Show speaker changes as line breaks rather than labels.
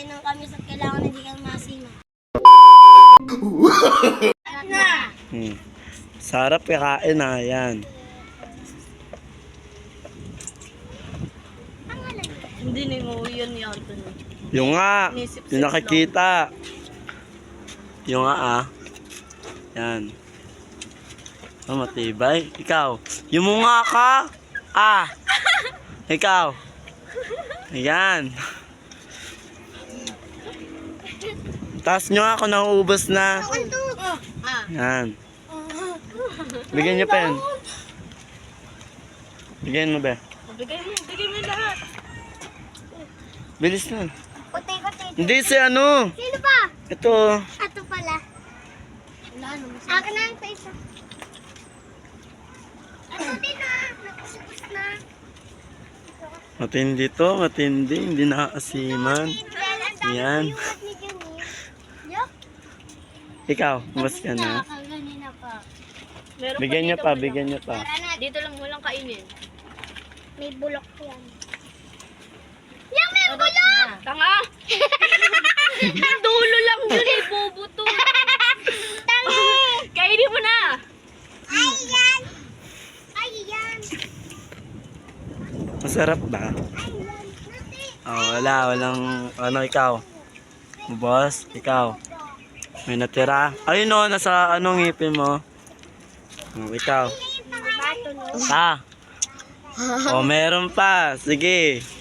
ng kami sa kailangan hindi kang masima.
Sarap kakain na, yan.
Hindi na mo yun ni Anthony.
Yung nga, yung nakikita. Yung nga Yan. Oh, matibay. Ikaw, yung mga ka. Ikaw. Ayan. Taas nyo ako, nauubos na. Yan. Bigyan nyo pa yan. Bigyan mo ba?
Bigay mo lahat.
Bilis na.
Kote.
Hindi si ano.
Sino ba?
Ito.
Ato pala. Akin na ang isa. Ato din na. Nakusupos na.
Matindi to, matindi. Hindi nakakasiman. Yan. Ikaw, mas ka na.
Kanina pa.
Meron
Bigyan nyo
dito,
pa,
walang-
bigyan nyo pa.
Dito lang mo lang kainin.
May bulok yan. Yung may bulok!
Tanga! Ang dulo lang yun eh, bobo to.
Tangi!
Kainin mo na!
Ayan! Ayan!
Masarap ba?
Ayan! Nati!
Walang, ano, ikaw. Boss, ikaw. May natira. Ayun o, nasa anong ngipin mo. Ikaw.
Bato no?
Meron pa. Sige.